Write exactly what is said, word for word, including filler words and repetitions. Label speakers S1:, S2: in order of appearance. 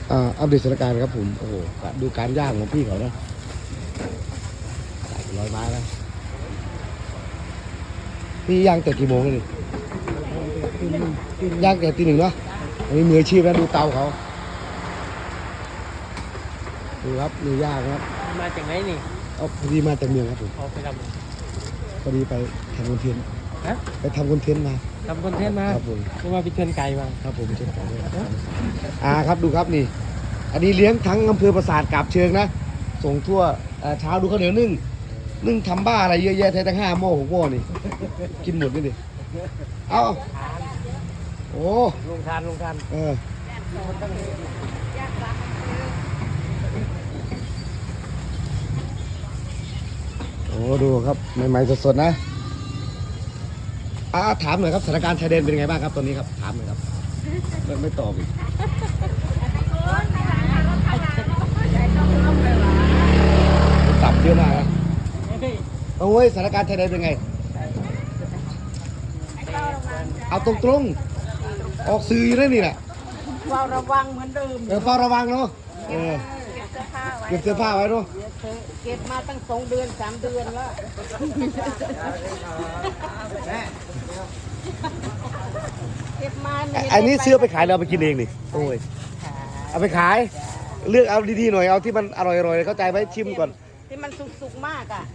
S1: อ่าอัปเดตสถานการณ์ครับผมโอ้โหดูการย่างของพี่เขานะร้อยไม้แล้วพี่ย่างแต่กี่โมงเลยย่างแต่ตีหนึ่งเนาะอันนี้มืออาชีพนะดูเตาเขาดูครับมือย่างครับ
S2: มาจากไหนนี่
S1: เอาพอดีมาจากเมืองครับผม
S2: ออกไปทำ
S1: พอดีไปทำคอนเทนต์
S2: ฮะ
S1: ไปทำคอนเทนต์มา
S2: ทำคอนเทนต์มา
S1: ครับผม
S2: เพราะว่าไปเชิญไก่มา
S1: ครับผมเช่นกันด้วยอ่าครับดูครับนี่ อันนี้เลี้ยงทั้งอำเภอปราสาทกาบเชิงนะส่งทั่วเอ่อเช้าดูข้าวเหนียวนึ่งนึ่งทำบ้าอะไรเยอะแยะแท้ตั้งห้าหม้อหกหม้อนี่กินหมดนี่ดิเอาโอ้
S2: ลงทานลงทาน
S1: เออโอ้ดูครับใหม่ๆสดๆนะอ่าถามหน่อยครับสถานการณ์ชายแดนเป็นไงบ้างครับตอนนี้ครับถามหน่อยครับไม่ไม่ตอบอีกตับเยอะมากนะโอ้ยสถานการณ์ชายแดนเป็นไงเอาตรงๆออกสื่ออยู่นั่นนี่แหละ
S3: เฝ้าระวังเหมือนเดิม
S1: เออเฝ้าระวังเนาะเออ
S3: เก็บเสื้อผ้าไว้
S1: เก็บเสื้อผ้าไว้เนาะ
S3: เก็บมาตั้งสองเดือนสามเดือนแล้วเก็บมา
S1: ไอ้อันนี้ซื้อไปขายเราเอาไปกินเองนี่โอ้ยเอาไปขายเลือกเอาดีๆหน่อยเอาที่มันอร่อยๆเข้าใจไหมชิมก่อน
S3: ที่มันสุกๆมากอ่ะ